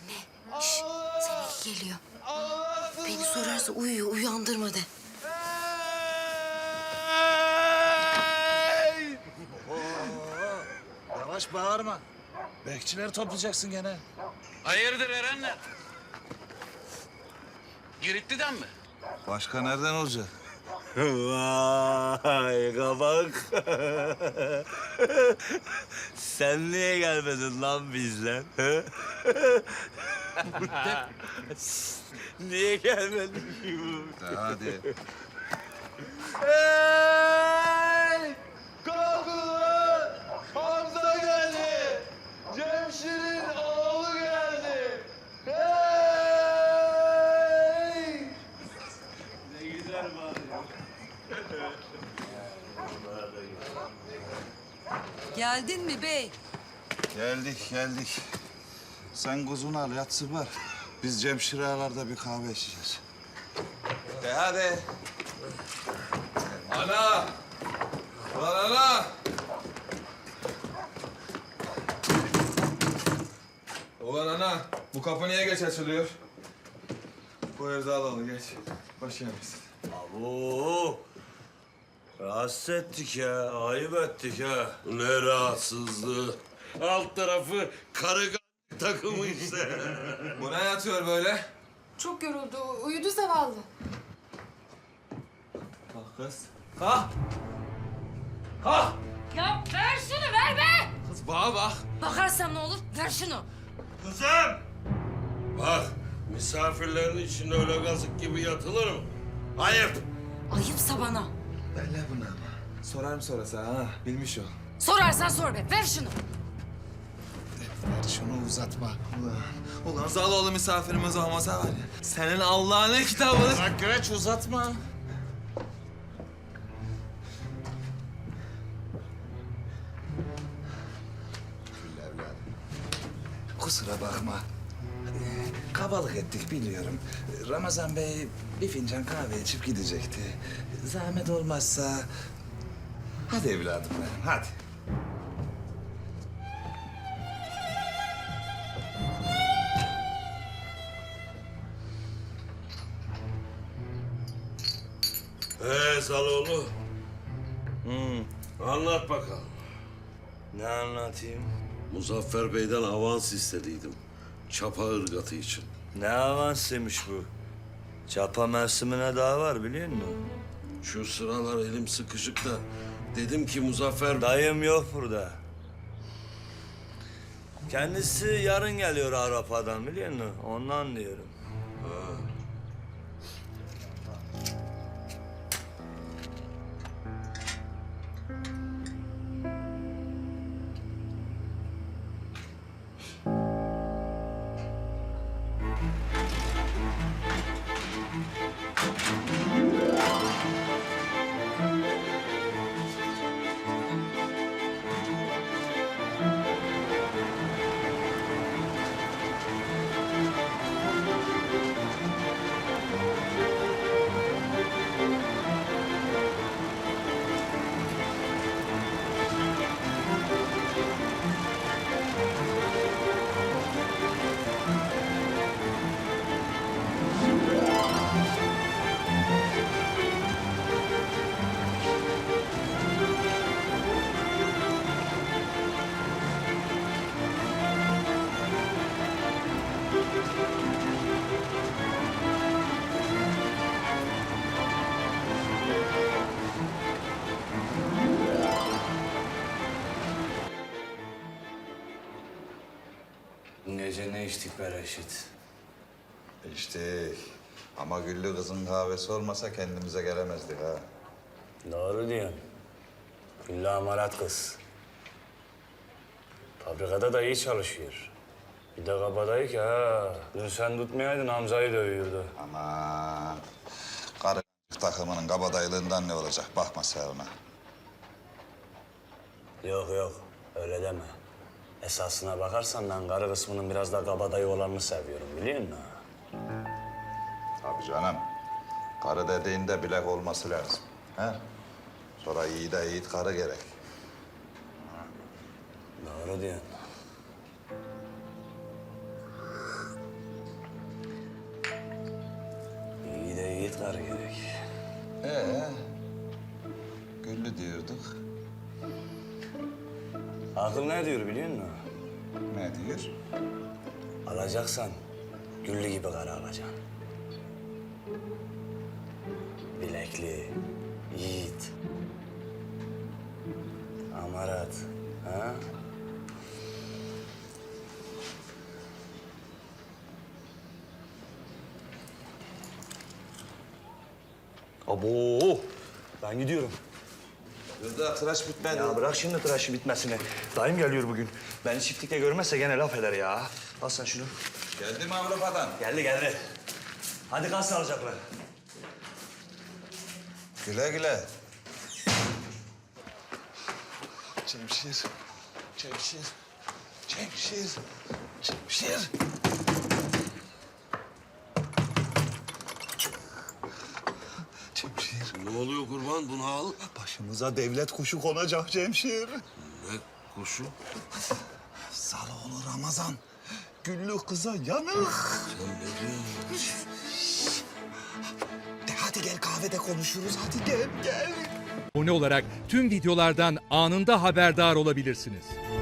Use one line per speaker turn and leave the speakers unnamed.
Anne, seninki geliyor. Beni sorarsa uyuyor, uyandırma de.
Yavaş bağırma. Bekçileri toplayacaksın gene.
Hayırdır Erenler? Giritli'den mi?
Başka nereden olacak?
Vay kabak. Sen niye gelmedin lan bizle? Niye gelmedin?
Hadi.
Hey! Kalkın lan! Hamza geldi! Cemşir'in oğlu geldi! Hey! Ne güzel bağırıyor.
Geldin mi bey?
Geldik. Sen kuzunu al, yatsı var. Biz Cemşir ağalarda bir kahve içeceğiz.
Hadi. Ana! Lan ana! Ulan ana, bu kapı niye geç açılıyor? Bu evde alalım, geç. Baş yemesin.
Abo! Rahatsız ettik ya, ayıp ettik ha. Ne rahatsızlığı. Alt tarafı karı takımı işte.
Bu ne yatıyor böyle?
Çok yoruldu. Uyudu zavallı.
Kalk kız. Kalk! Kalk!
Ya ver şunu, ver be!
Kız bana bak.
Bakarsam ne olur? Ver şunu.
Kızım! Bak, misafirlerin içinde öyle kazık gibi yatılır mı? Ayıp!
Ayıpsa bana.
Öyle bunu ama. Sorarım sonrası ha, bilmiş ol.
Sorarsan sor be, ver şunu.
Ver şunu uzatma.
Ulan Zaloğlu misafirimiz olmasa var ya, senin Allah'ın kitabını...
Bak Güreç uzatma. Gül evladım. Kusura bakma. Kabalık ettik biliyorum. Ramazan Bey bir fincan kahve içip gidecekti. Zahmet olmazsa... Hadi evladım benim, hadi.
Zaloğlu. Anlat bakalım.
Ne anlatayım?
Muzaffer Bey'den avans istediydim. Çapa ırgatı için.
Ne avansıymış bu? Çapa mevsimine daha var biliyor musun?
Şu sıralar elim sıkışık da dedim ki Muzaffer...
Dayım yok burada. Kendisi yarın geliyor Avrupa'dan biliyor musun? Ondan diyorum.
Dün gece ne içtik be Reşit?
İşte ama Güllü kızın kahvesi olmasa kendimize gelemezdik ha.
Doğru diyorsun. Güllü amarat kız. Fabrikada da iyi çalışıyor. Bir de kabadayı ki ha. Dün sen tutmayaydın Hamza'yı dövüyordu.
Aman. Karı takımının kabadaylığından ne olacak? Bakma sen ona.
Yok yok öyle deme. Esasına bakarsan ben karı kısmının biraz da kabadayı olanını seviyorum biliyor musun?
Tabii canım. Karı dediğinde bilek olması lazım. He? Sonra iyi de yiğit karı gerek.
Doğru diyorsun.
gelir diyorduk.
Akıl ne diyor biliyor musun?
Ne diyor?
Alacaksan güllü gibi kara alacaksın. Bilekli, yiğit, amarat, ha? Abo, ben gidiyorum.
Daha tıraş bitmedi.
Ya bırak şimdi tıraşı bitmesini. Dayım geliyor bugün. Beni çiftlikte görmezse gene laf eder ya. Al sen şunu.
Geldi mi Avrupa'dan?
Geldi geldi. Hadi kal sağlıcakla.
Güle güle. Cemşir. Cemşir. Cemşir. Cemşir. Cemşir.
Ne oluyor kurban? Bunu al.
Başımıza devlet kuşu konacak Cemşir.
Ne kuşu?
Saloğlu Ramazan. Güllü kıza yanık.
Sen ne diyorsun?
De hadi gel kahvede konuşuruz. Hadi gel gel.
Abone olarak tüm videolardan anında haberdar olabilirsiniz.